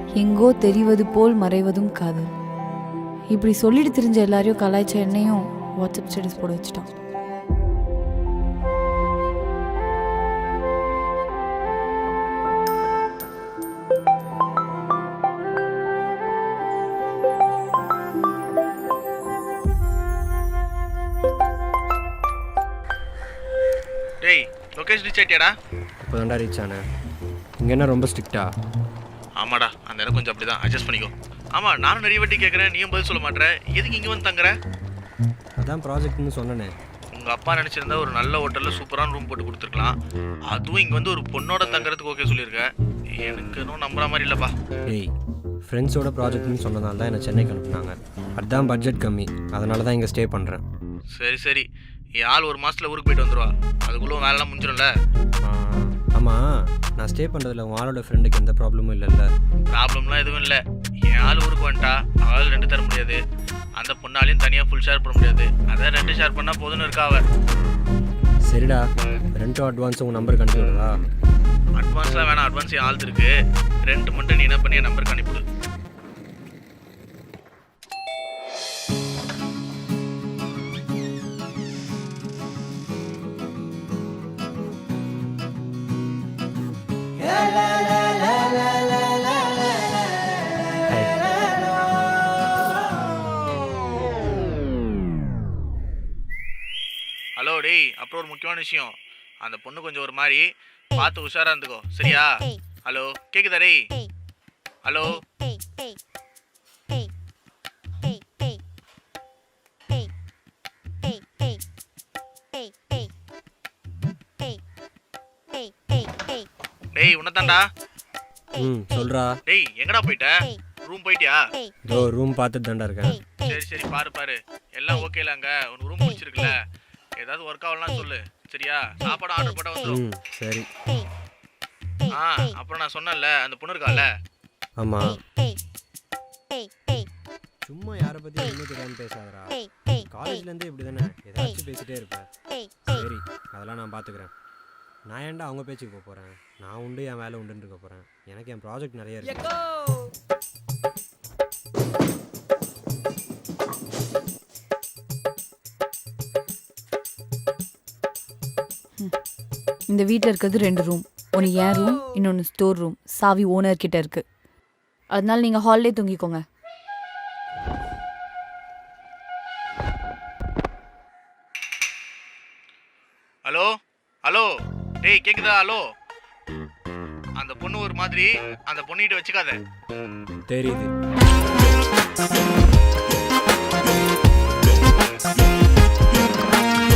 எங்கோ தெரிவது போல் மறைவதும் காதல். இப்படி சொல்லிட்டு தெரிஞ்ச எல்லாரையும் கலாய்ச்ச என்னையும் வாட்ஸ்அப் ஸ்டேட்டஸ் போட வச்சுட்டான். டேய் லொகேஷன் ரீச் ஆயிட்டியாடா? இப்போ தான்டா ரீச் ஆனேன். இங்கே என்ன ரொம்ப ஸ்ட்ரிக்டா? ஆமாடா, அந்த இடம் கொஞ்சம் அப்படிதான், அட்ஜஸ்ட் பண்ணிக்கோ. ஆமாம், நானும் நிறைய வாட்டி கேட்குறேன், நீயும் பதில் சொல்ல மாட்டேற. எதுக்கு இங்கே வந்து தங்குற? அதான் ப்ராஜெக்ட்னு சொன்னேனே. உங்கள் அப்பா நினச்சிருந்தா ஒரு நல்ல ஹோட்டலில் சூப்பரான ரூம் போட்டு கொடுத்துருக்கலாம். அதுவும் இங்கே வந்து ஒரு பொண்ணோட தங்குறதுக்கு ஓகே சொல்லியிருக்க. எனக்கு இன்னும் நம்புற மாதிரி இல்லைப்பா. ஏய், ஃப்ரெண்ட்ஸோட ப்ராஜெக்ட்னு சொன்னதால தான் என்னை சென்னைக்கு அனுப்புனாங்க. அதுதான் பட்ஜெட் கம்மி, அதனால தான் இங்கே ஸ்டே பண்ணுறேன். சரி சரி, என் ஆள் ஒரு மாதத்தில் ஊருக்கு போயிட்டு வந்துடுவா. அதுக்குள்ளே வேலைலாம் முடிஞ்சிடும்ல? ஆமாம், நான் ஸ்டே பண்ணுறதுல உன் ஆளோட ஃப்ரெண்டுக்கு எந்த ப்ராப்ளமும் இல்லைல்ல? ப்ராப்ளம்லாம் எதுவும் இல்லை. என் ஆள் ஊருக்கு வந்துட்டா அவள் 2 தர முடியாது. அந்த பொண்ணாலையும் தனியாக ஃபுல் ஷேர் பண்ண முடியாது. அதான் 2 ஷேர் பண்ணால் போதுன்னு இருக்கா அவள். சரிடா, ரெண்டும் அட்வான்ஸ் உங்கள் நம்பருக்கு அனுப்பி விடுறா? அட்வான்ஸ்லாம் வேணாம், அட்வான்ஸ் என் ஆள் இருக்கு. ரெண்ட் மட்டும் நீ என்ன பண்ணி என் நம்பருக்கு அனுப்பிவிடு. ஹலோ டேய், அப்புறம் ஒரு முக்கியமான விஷயம். அந்த பொண்ணு கொஞ்சம் ஒரு மாதிரி பார்த்து உஷாரா இருந்துக்கோ, சரியா? ஹலோ கேக்குதா டேய்? ஹலோ டேய், உன்னதான்டா. சொல்கிறா. டேய் எங்கடா போயிட்ட? ரூம் போயிட்டியா? இதோ ரூம் பார்த்துட்டு தான்டா இருக்கேன். சரி சரி, பாரு பாரு, எல்லாம் ஓகேல? அங்கே உனக்கு ரூம் பிடிச்சிருக்குல்ல? ஏதாவது ஒர்க் ஆகலாம் சொல்லு, சரியா? சாப்பாடு ஆர்டர் போட்டால் வந்துடும். சரி. அப்புறம் நான் சொன்னேன்ல, அந்த பொண்ணு இருக்கால? ஆமாம். சும்மா யாரை பற்றி ஒன்றும் தெரியாமல் பேசாதடா. காலேஜ்லேருந்து இப்படி தானே ஏதாச்சும் பேசிகிட்டே இருப்பேன். சரி, அதெல்லாம் நான் பார்த்துக்கிறேன். நான் ஏன்டா அவங்க பேச்சுக்கு போக போகிறேன்? நான் உண்டு, என் வேலை உண்டுன்னு இருக்க போகிறேன். எனக்கு என் ப்ராஜெக்ட் நிறைய இருக்கு. இந்த வீட்டில் இருக்கிறது 2 ரூம். ஒன்று என் ரூம், இன்னொன்று ஸ்டோர் ரூம். சாவி ஓனர் கிட்ட இருக்கு. அதனால நீங்கள் ஹால்லே தூங்கிக்கோங்க. ஹலோ ஹலோ டேய் கேக்குதா? ஹலோ, அந்த பொண்ணு ஒரு மாதிரி, அந்த பொண்ணுகிட்ட வச்சுக்காத. தெரியுது.